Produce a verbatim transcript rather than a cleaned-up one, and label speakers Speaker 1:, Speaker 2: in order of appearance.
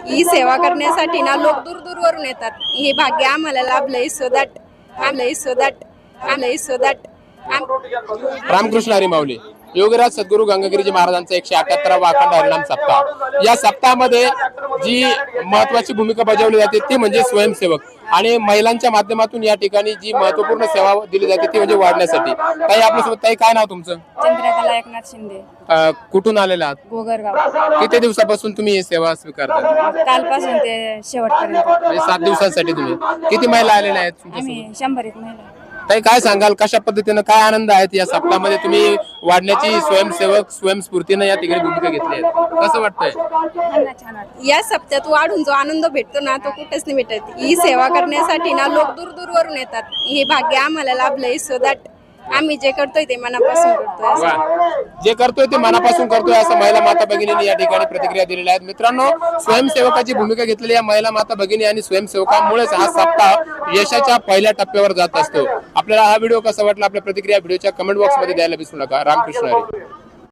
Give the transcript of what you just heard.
Speaker 1: ही सेवा करण्यासाठी ना लोक दूर दूरवरून येतात. हे भाग्य आम्हाला लाभलंय. सो दॅट आम्हाला सो दॅट आम्हाला सो दॅट
Speaker 2: रामकृष्ण हरी माऊली. योगीराज सद्गुरू गंगागिरीजी महाराजांचा एकशे अठ्याहत्तरावा अखंड हरिनाम सप्ताह. या सप्ताहामध्ये जी महत्वाची भूमिका बजावली जाते ती म्हणजे स्वयंसेवक आणि महिलांच्या माध्यमातून या ठिकाणी जी महत्वपूर्ण सेवा दिली जाते ती म्हणजे वाढण्यासाठी. ताई आपल्यासोबत, ताई काय नाव तुमचं?
Speaker 1: चंद्रकला एकनाथ शिंदे.
Speaker 2: अ, कुठून आलेला आहात?
Speaker 1: गोगरगाव.
Speaker 2: किती दिवसापासून तुम्ही ही सेवा स्वीकारता?
Speaker 1: कालपासून ते शेवटपर्यंत
Speaker 2: म्हणजे सात दिवसांसाठी. तुम्ही किती महिला आलेल्या आहेत तुमच्यासोबत?
Speaker 1: आम्ही शंभर एक महिला.
Speaker 2: ताई काय सांगाल, कशा पद्धतीनं काय आनंद आहेत या सप्ताहामध्ये तुम्ही वाढण्याची स्वयंसेवक स्वयंस्फूर्तीने या ठिकाणी भूमिका घेतली आहे, कसं वाटतंय?
Speaker 1: छान वाटतं. या सप्त्यात वाढून जो आनंद भेटतो ना तो कुठेच नाही भेटत. ही सेवा करण्यासाठी ना लोक दूर दूरवरून येतात. हे भाग्य आम्हाला लाभलंय. सो दॅट आम्ही जे करतोय ते मनापासून करतोय.
Speaker 2: वा, जे करतोय ते मनापासून करतोय असं महिला माता भगिनींनी या ठिकाणी प्रतिक्रिया दिलेल्या आहेत. मित्रांनो, स्वयंसेवकाची भूमिका घेतलेली या महिला माता भगिनी आणि स्वयंसेवकांमुळेच हा सप्ताह यशाच्या पहिल्या टप्प्यावर जात असतो. आपल्याला हा व्हिडिओ कसा वाटला आपल्या प्रतिक्रिया व्हिडिओच्या कमेंट बॉक्स मध्ये द्यायला विसरू नका. रामकृष्ण हरी.